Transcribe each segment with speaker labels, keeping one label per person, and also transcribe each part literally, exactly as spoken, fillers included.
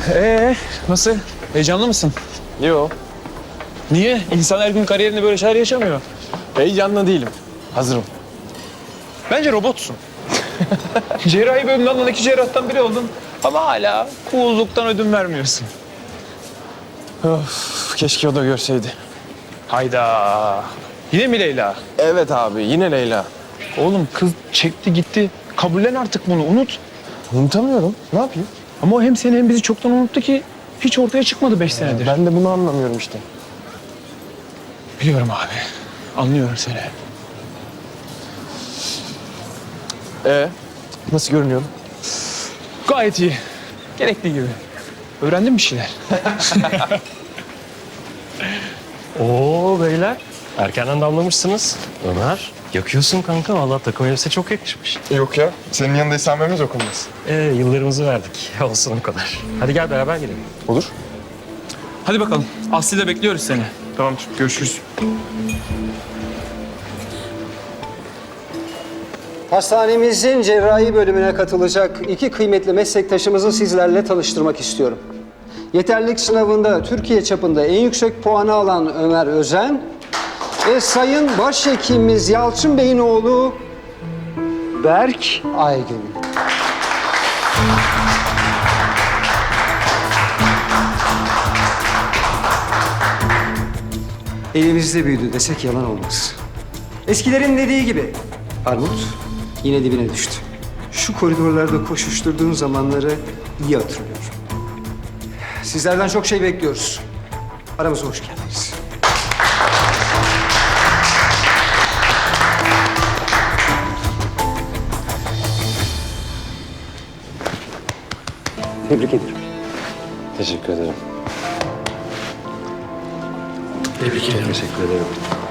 Speaker 1: Ee, nasıl? Heyecanlı mısın?
Speaker 2: Yo,
Speaker 1: Niye? İnsan her gün kariyerinde böyle şeyler yaşamıyor.
Speaker 2: heyecanlı değilim. Hazırım.
Speaker 1: Bence robotsun. Cerrahi bölümünde alınan iki cerrahtan biri oldun. Ama hala cool'luktan ödün vermiyorsun.
Speaker 2: Of, keşke o da görseydi.
Speaker 1: Hayda. Yine mi Leyla?
Speaker 2: Evet abi, yine Leyla.
Speaker 1: Oğlum kız çekti gitti. Kabullen artık bunu, unut.
Speaker 2: Unutamıyorum. Ne yapayım?
Speaker 1: Ama o hem seni hem bizi çoktan unuttu ki hiç ortaya çıkmadı beş senedir.
Speaker 2: Ben de bunu anlamıyorum işte.
Speaker 1: Biliyorum abi. Anlıyorum seni.
Speaker 2: Ee, nasıl görünüyorum?
Speaker 1: Gayet iyi. Gerektiği gibi. Öğrendin bir şeyler.
Speaker 3: Oo beyler, erkenden damlamışsınız. Ömer, yakıyorsun kanka. Vallahi takım elbise çok yakışmış.
Speaker 4: Yok ya. Senin yanında istenmemiz okunmaz.
Speaker 3: Ee, yıllarımızı verdik. Olsun o kadar. Hadi gel beraber gidelim.
Speaker 4: Olur.
Speaker 1: Hadi bakalım. Aslı'yla bekliyoruz seni.
Speaker 4: Tamamdır. Görüşürüz.
Speaker 5: Hastanemizin cerrahi bölümüne katılacak iki kıymetli meslektaşımızı sizlerle tanıştırmak istiyorum. Yeterlilik sınavında Türkiye çapında en yüksek puanı alan Ömer Özen ve Sayın Başhekimimiz Yalçın Bey'in oğlu Berk Aygün. Elimizde büyüdü desek yalan olmaz. Eskilerin dediği gibi armut yine dibine düştü. Şu koridorlarda koşuşturduğum zamanları iyi hatırlıyorum. Sizlerden çok şey bekliyoruz. Aramıza hoş geldiniz. Tebrik ederim.
Speaker 2: Teşekkür ederim.
Speaker 3: Tebrik ederim.
Speaker 2: Teşekkür ederim.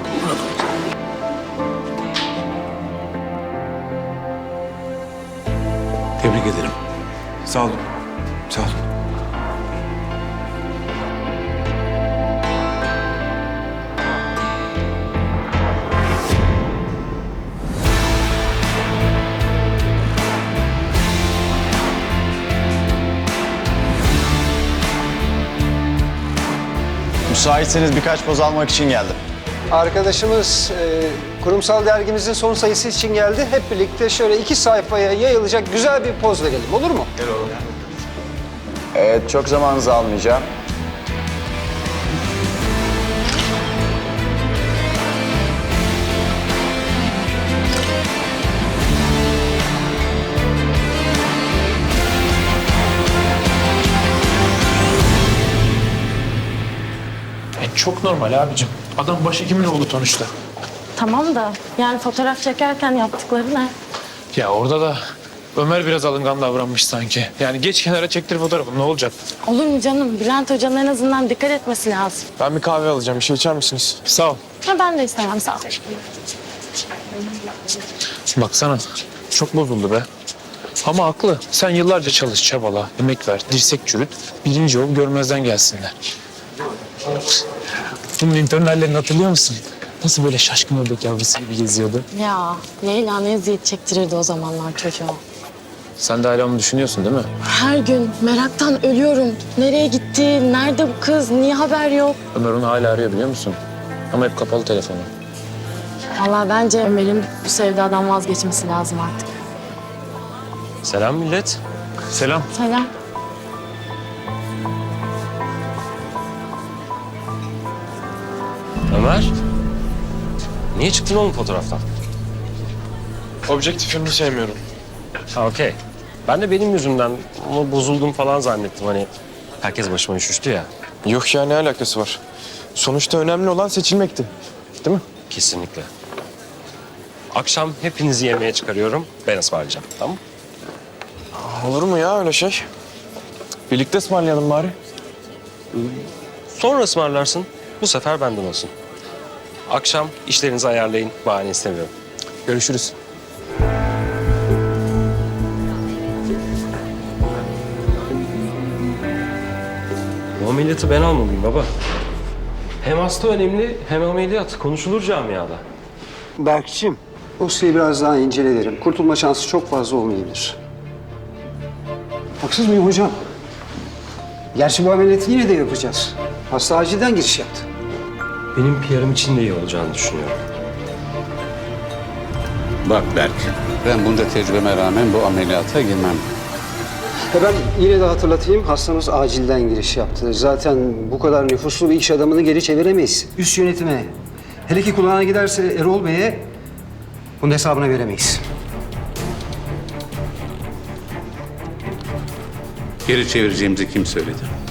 Speaker 6: Tebrik ederim.
Speaker 4: Sağ olun. Sağ olun.
Speaker 7: Müsaitseniz birkaç poz almak için geldim.
Speaker 5: Arkadaşımız e, kurumsal dergimizin son sayısı için geldi. Hep birlikte şöyle iki sayfaya yayılacak güzel bir poz verelim. Olur mu?
Speaker 7: Evet, çok zamanınızı almayacağım.
Speaker 1: E, çok normal abicim. Adam başhekimin oğlu sonuçta.
Speaker 8: Tamam da yani fotoğraf çekerken yaptıkları ne?
Speaker 1: Ya orada da Ömer biraz alıngan davranmış sanki. Yani geç kenara çektir fotoğrafı, ne olacak?
Speaker 8: Olur mu canım? Bülent Hoca'nın en azından dikkat etmesi lazım.
Speaker 2: Ben bir kahve alacağım. Bir şey içer misiniz?
Speaker 1: Sağ ol.
Speaker 8: Ha, ben de istemem, sağ ol.
Speaker 1: Baksana, çok bozuldu be. Ama haklı. Sen yıllarca çalış, çabala, emek ver, dirsek çürüt. Birinci ol, görmezden gelsinler. Bunun intern hallerini hatırlıyor musun? Nasıl böyle şaşkın ördek yavrusu gibi geziyordu?
Speaker 8: Ya Leyla ne eziyet çektirirdi o zamanlar çocuğa.
Speaker 1: Sen de hala onu düşünüyorsun değil mi?
Speaker 8: Her gün meraktan ölüyorum. Nereye gitti? Nerede bu kız? Niye haber yok?
Speaker 1: Ömer onu hala arıyor biliyor musun? Ama hep kapalı telefonu.
Speaker 8: Vallahi bence Ömer'in bu sevdadan vazgeçmesi lazım artık.
Speaker 3: Selam millet.
Speaker 1: Selam.
Speaker 8: Selam.
Speaker 3: Ömer, niye çıktın oğlum fotoğraftan?
Speaker 2: Objektifimi sevmiyorum.
Speaker 3: Ha okey. Ben de benim yüzümden ama bozuldum falan zannettim. Hani herkes başıma üşüştü ya.
Speaker 2: Yok ya, ne alakası var? Sonuçta önemli olan seçilmekti. Değil mi?
Speaker 3: Kesinlikle. Akşam hepinizi yemeğe çıkarıyorum. Ben ısmarlayacağım. Tamam mı?
Speaker 2: Olur mu ya öyle şey? Birlikte ısmarlayalım bari.
Speaker 3: Sonra ısmarlarsın. Bu sefer benden olsun. Akşam işlerinizi ayarlayın. Bahane istemiyorum.
Speaker 2: Görüşürüz.
Speaker 3: Bu ameliyatı ben almalıyım baba. Hem hasta önemli hem ameliyat. Konuşulur camiada.
Speaker 5: Berk'cim, dosyayı biraz daha incele derim. Kurtulma şansı çok fazla olmayabilir. Haksız mıyım hocam? Gerçi bu ameliyatı yine de yapacağız. Hasta acilden giriş yaptı.
Speaker 3: Benim P R'ım için de iyi olacağını düşünüyorum.
Speaker 6: Bak Berk, ben bunca tecrübeme rağmen bu ameliyata girmem.
Speaker 5: E ben yine de hatırlatayım, hastamız acilden giriş yaptı. Zaten bu kadar nüfuslu bir iş adamını geri çeviremeyiz. Üst yönetime, hele ki kulağına giderse Erol Bey'e bunun hesabını veremeyiz.
Speaker 6: Geri çevireceğimizi kim söyledi?